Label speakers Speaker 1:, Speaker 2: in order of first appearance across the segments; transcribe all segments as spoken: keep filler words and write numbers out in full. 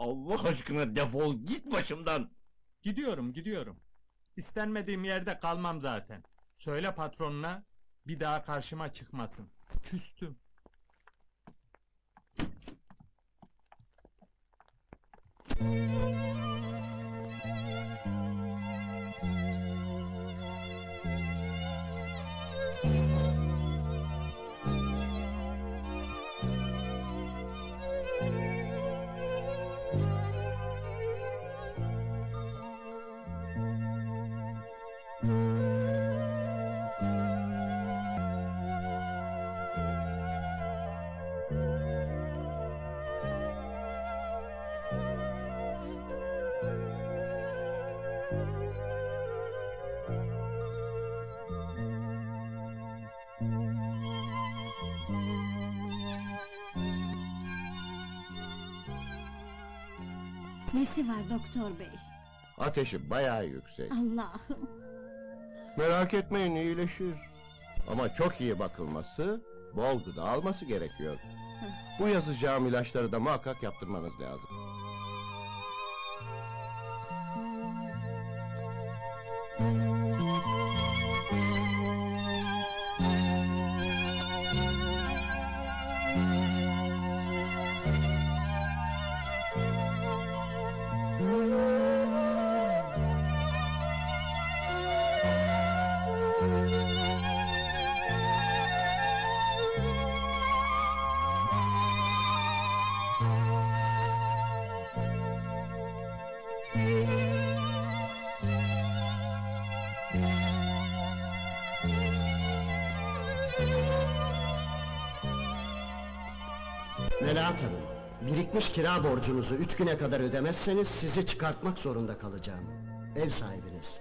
Speaker 1: Allah aşkına defol git başımdan!
Speaker 2: Gidiyorum, gidiyorum. İstenmediğim yerde kalmam zaten. Söyle patronuna, bir daha karşıma çıkmasın. Küstüm.
Speaker 3: Nesi var doktor bey?
Speaker 1: Ateşi bayağı yüksek.
Speaker 3: Allah'ım!
Speaker 1: Merak etmeyin, iyileşir. Ama çok iyi bakılması, bol gıda alması gerekiyor. Bu yazacağım ilaçları da muhakkak yaptırmanız lazım.
Speaker 4: Melahat Hanım, birikmiş kira borcunuzu üç güne kadar ödemezseniz sizi çıkartmak zorunda kalacağım. Ev sahibiniz.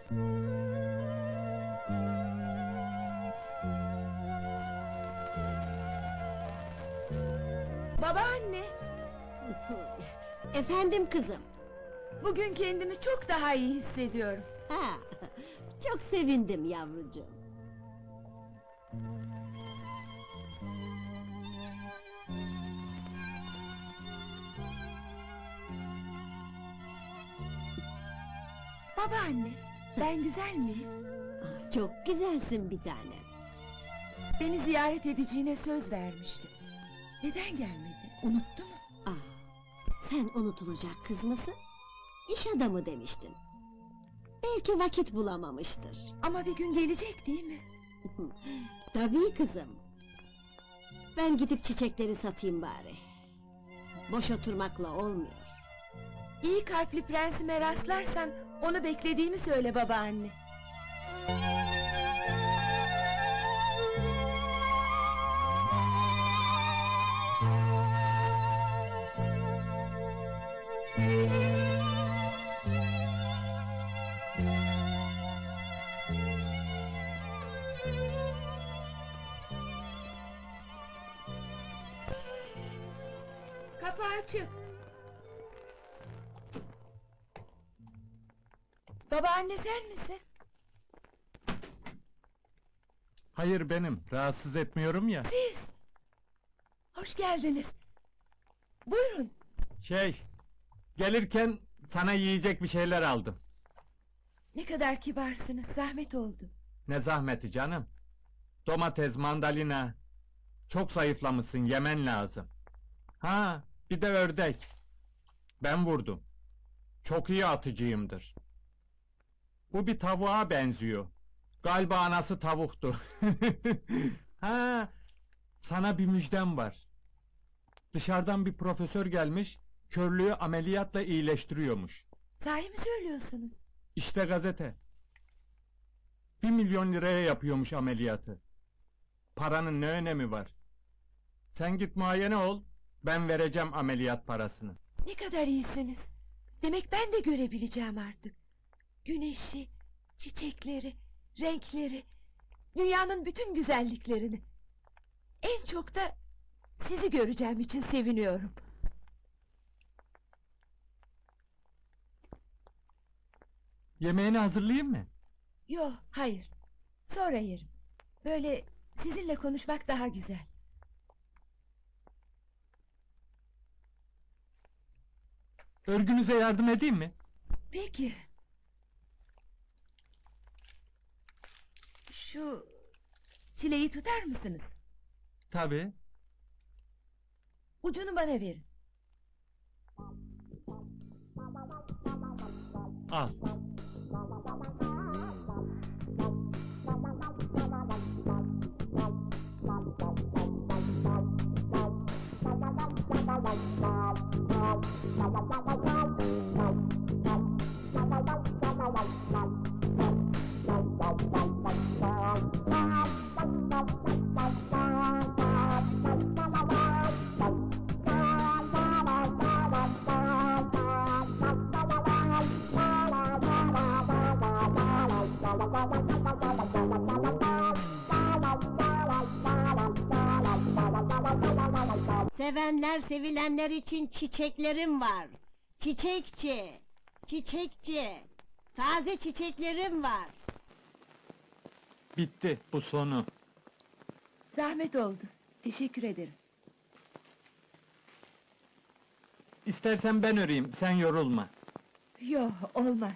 Speaker 5: Babaanne,
Speaker 3: Efendim kızım?
Speaker 5: bugün kendimi çok daha iyi hissediyorum.
Speaker 3: Ha, çok sevindim yavrucuğum.
Speaker 5: Babaanne, ben güzel miyim?
Speaker 3: Ah, çok güzelsin bir tane.
Speaker 5: Beni ziyaret edeceğine söz vermişti. Neden gelmedi? Unuttu mu?
Speaker 3: Ah, sen unutulacak kız mısın? İş adamı demiştin. Belki vakit bulamamıştır.
Speaker 5: Ama bir gün gelecek değil mi?
Speaker 3: Tabii kızım. Ben gidip çiçekleri satayım bari. Boş oturmakla olmuyor.
Speaker 5: İyi kalpli prensime rastlarsan onu beklediğimi söyle babaanne. Kapı açık. Babaanne sen misin?
Speaker 2: Hayır benim, rahatsız etmiyorum ya.
Speaker 5: Siz! Hoş geldiniz. Buyurun.
Speaker 2: Şey, gelirken sana yiyecek bir şeyler aldım.
Speaker 5: Ne kadar kibarsınız, zahmet oldu.
Speaker 2: Ne zahmeti canım. Domates, mandalina. Çok zayıflamışsın, yemen lazım. Ha, bir de ördek. Ben vurdum. Çok iyi atıcıyımdır. Bu bir tavuğa benziyor. Galiba anası tavuktu. Ha, sana bir müjdem var. Dışarıdan bir profesör gelmiş, körlüğü ameliyatla iyileştiriyormuş.
Speaker 5: Sahi mi söylüyorsunuz?
Speaker 2: İşte gazete. Bir milyon liraya yapıyormuş ameliyatı. Paranın ne önemi var? Sen git muayene ol, ben vereceğim ameliyat parasını.
Speaker 5: Ne kadar iyisiniz. Demek ben de görebileceğim artık. Güneşi, çiçekleri, renkleri, dünyanın bütün güzelliklerini. En çok da sizi göreceğim için seviniyorum.
Speaker 2: Yemeğini hazırlayayım mı?
Speaker 5: Yo, hayır. Sonra yerim. Böyle sizinle konuşmak daha güzel.
Speaker 2: Örgünüze yardım edeyim mi?
Speaker 5: Peki. Şu çileyi tutar mısınız?
Speaker 2: Tabii.
Speaker 5: Ucunu bana verin.
Speaker 2: Al.
Speaker 3: Sevenler sevilenler için çiçeklerim var. Çiçekçi, çiçekçi. Taze çiçeklerim var.
Speaker 2: Bitti, bu sonu.
Speaker 5: Zahmet oldu. Teşekkür ederim.
Speaker 2: İstersen ben öreyim, sen yorulma.
Speaker 5: Yo, olmaz.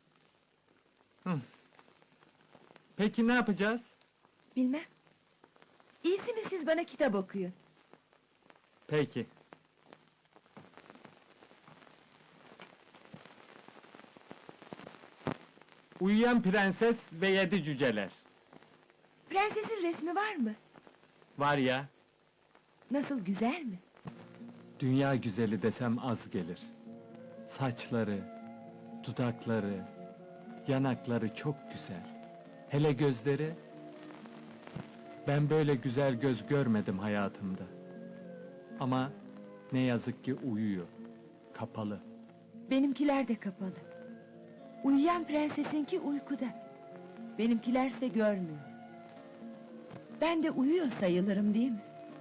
Speaker 2: Peki ne yapacağız?
Speaker 5: Bilmem. İyisi mi siz bana kitap okuyun.
Speaker 2: Peki. Uyuyan Prenses ve Yedi Cüceler.
Speaker 5: Prensesin resmi var mı?
Speaker 2: Var ya,
Speaker 5: Nasıl, güzel mi?
Speaker 2: dünya güzeli desem az gelir. Saçları, dudakları, yanakları çok güzel. Hele gözleri... Ben böyle güzel göz görmedim hayatımda. Ama ne yazık ki uyuyor, kapalı.
Speaker 5: Benimkiler de kapalı. Uyuyan prensesinki uykuda. Benimkilerse görmüyor. Ben de uyuyor sayılırım, değil mi?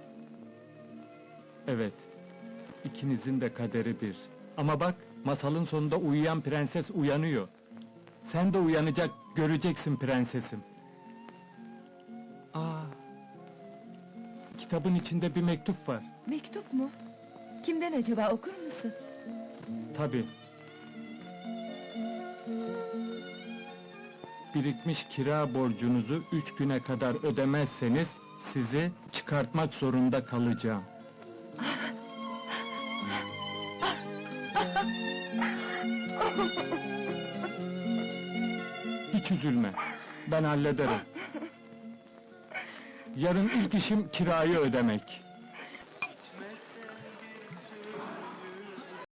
Speaker 2: Evet, ikinizin de kaderi bir. Ama bak, masalın sonunda uyuyan prenses uyanıyor. Sen de uyanacak, göreceksin prensesim. Aa, kitabın içinde bir mektup var.
Speaker 5: Mektup mu? Kimden acaba, okur musun?
Speaker 2: Tabii. Birikmiş kira borcunuzu üç güne kadar ödemezseniz sizi çıkartmak zorunda kalacağım. Hiç üzülme, ben hallederim. Yarın ilk işim kirayı ödemek.